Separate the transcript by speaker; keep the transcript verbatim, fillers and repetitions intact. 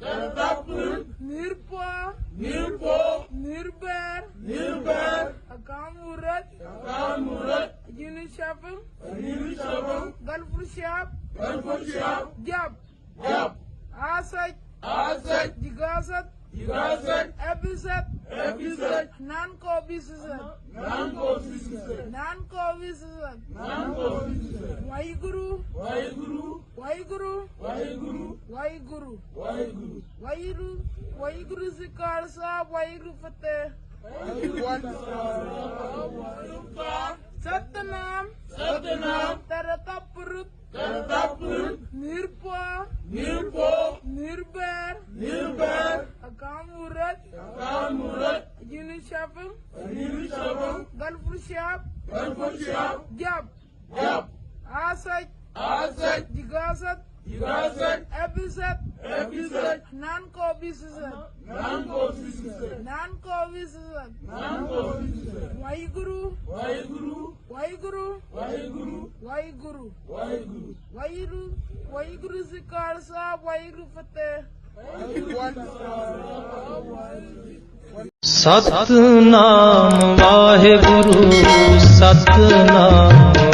Speaker 1: ਕਰਤਾ ਪੁਰਖ
Speaker 2: ਨਿਰਭਉ
Speaker 1: ਨਿਰਭਉ
Speaker 2: ਨਿਰਵੈਰ
Speaker 1: ਨਿਰਵੈਰ
Speaker 2: ਅਕਾਲ ਮੂਰਤ
Speaker 1: ਅਕਾਲ ਮੂਰਤ
Speaker 2: ਅਜੂਨੀ ਸ਼ਬਦ
Speaker 1: ਅਜੂਨੀ ਸ਼ਬਦ
Speaker 2: ਗਲਪੁਰ ਸ਼ਬਦ
Speaker 1: ਗਲਪੁਰ ਸ਼ਬਦ
Speaker 2: ਜਪ
Speaker 1: ਜਪ
Speaker 2: ਆਸਤ
Speaker 1: ਆਸਤ
Speaker 2: ਜਿਗਾਸਤ
Speaker 1: ਜਿਗਾਸਤ
Speaker 2: ਐਬਿਸਤ
Speaker 1: ਐਬਿਸਤ
Speaker 2: ਨਾਨਕੋ ਬਿਸਸਤ
Speaker 1: ਨਾਨਕੋ ਸਿਸਤ
Speaker 2: ਨਾਨਕੋ ਬਿਸਸਤ
Speaker 1: ਨਾਨਕੋ ਸਿਸਤ
Speaker 2: ਵਾਹਿਗੁਰੂ
Speaker 1: ਵਾਹਿਗੁਰੂ
Speaker 2: ਵਾਹਿਗੁਰੂ
Speaker 1: ਵਾਹਿਗੁਰੂ
Speaker 2: ਵਾਹਿਗੁਰੂ
Speaker 1: ਵਾਹਿਗੁਰੂ
Speaker 2: ਵਾਹਿਗੁਰੂ ਵਾਹਿਗੁਰੂ ਜੀ ਕਾ ਖਾਲਸਾ ਵਾਹਿਗੁਰੂ ਫਤਿਹ ਸਤਨਾਮ
Speaker 1: ਸਤਨਾਮ
Speaker 2: ਤਰਤਾ ਪੁਰਖ
Speaker 1: ਕਰਤਾ ਪੁਰਖ
Speaker 2: ਨਿਰਭਉ
Speaker 1: ਨਿਰਭਉ
Speaker 2: ਨਿਰਵੈਰ
Speaker 1: ਨਿਰਵੈਰ
Speaker 2: ਅਕਾਲ ਮੂਰਤ
Speaker 1: ਅਕਾਲ ਮੂਰਤ
Speaker 2: ਅਜੂਨੀ ਸ਼ਬਦ
Speaker 1: ਅਜੂਨੀ ਸ਼ਬਦ
Speaker 2: ਗਲਪੁਰ ਸ਼ਬਦ
Speaker 1: ਗਲਪੁਰ ਸ਼ਬਦ
Speaker 2: ਜਪ
Speaker 1: ਜਪ
Speaker 2: ਆਸਤ
Speaker 1: ਆਸਤ
Speaker 2: ਜਿਗਾਸਤ
Speaker 1: ਜਿਗਾਸਤ
Speaker 2: ਐਬਿਸਤ
Speaker 1: ਐਬਿਸਤ
Speaker 2: ਨਾਨਕੋ ਬਿਸਸਤ
Speaker 1: ਨਾਨਕੋ ਸਿਸਤ
Speaker 2: ਨਾਨਕੋ ਬਿਸਸਤ
Speaker 1: ਨਾਨਕੋ ਸਿਸਤ
Speaker 2: ਵਾਹਿਗੁਰੂ
Speaker 1: ਵਾਹਿਗੁਰੂ
Speaker 2: ਵਾਹਿਗੁਰੂ
Speaker 1: ਵਾਹਿਗੁਰੂ
Speaker 2: ਵਾਹਿਗੁਰੂ
Speaker 1: ਵਾਹਿਗੁਰੂ
Speaker 2: ਵਾਹਿਗੁਰੂ ਵਾਹਿਗੁਰੂ ਜੀ ਕਾ ਖਾਲਸਾ ਵਾਹਿਗੁਰੂ ਫਤਿਹ
Speaker 3: ਸਤਨਾਮ ਵਾਹਿਗੁਰੂ ਸਤਨਾਮ